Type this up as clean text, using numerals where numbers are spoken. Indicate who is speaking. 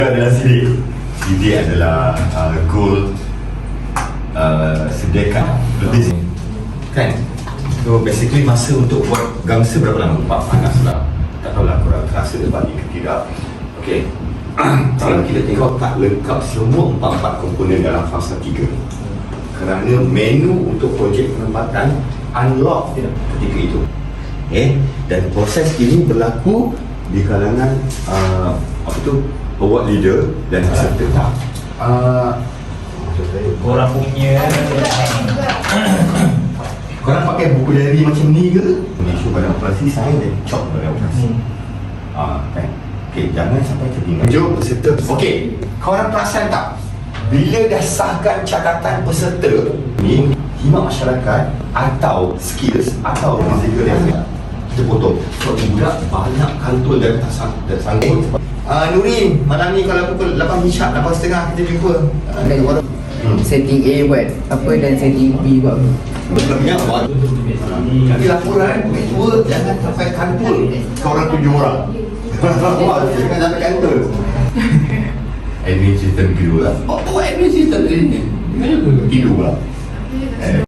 Speaker 1: adalah sidik adalah goal sediakan lebih kan. So basically masa untuk buat gangster berapa lama? Panas lah. Tak tahulah korang rasa dia balik ke tidak. Okay. Kalau kita tengok tak lengkap semua 4 komponen dalam fasa 3 kerana menu untuk projek penempatan unlock ketika itu. Dan proses ini berlaku di kalangan award leader dan peserta.
Speaker 2: Korang punya
Speaker 1: Korang pakai buku diary macam ni ke? Isu badan operasi saya dan cop badan operasi. Kan? Okay, jangan sampai tertinggal. Jom peserta. Okay, korang perasan tak? Bila dah sahkan catatan peserta ni, khidmat masyarakat atau skills atau fizikal yang kita potong. Sebab budak banyak kantul dan tak sanggup. Nuri, malam ni kalau pukul 8 hisap, 8.30 kita jumpa.
Speaker 3: Setting A buat apa dan setting B buat apa?
Speaker 1: Berkelebihan buat. Nanti laporan, tua jangan sampai kantul korang 7 orang. Jangan sampai kantul. Admin system kedua lah. Buat admin system ni. Tidur lah.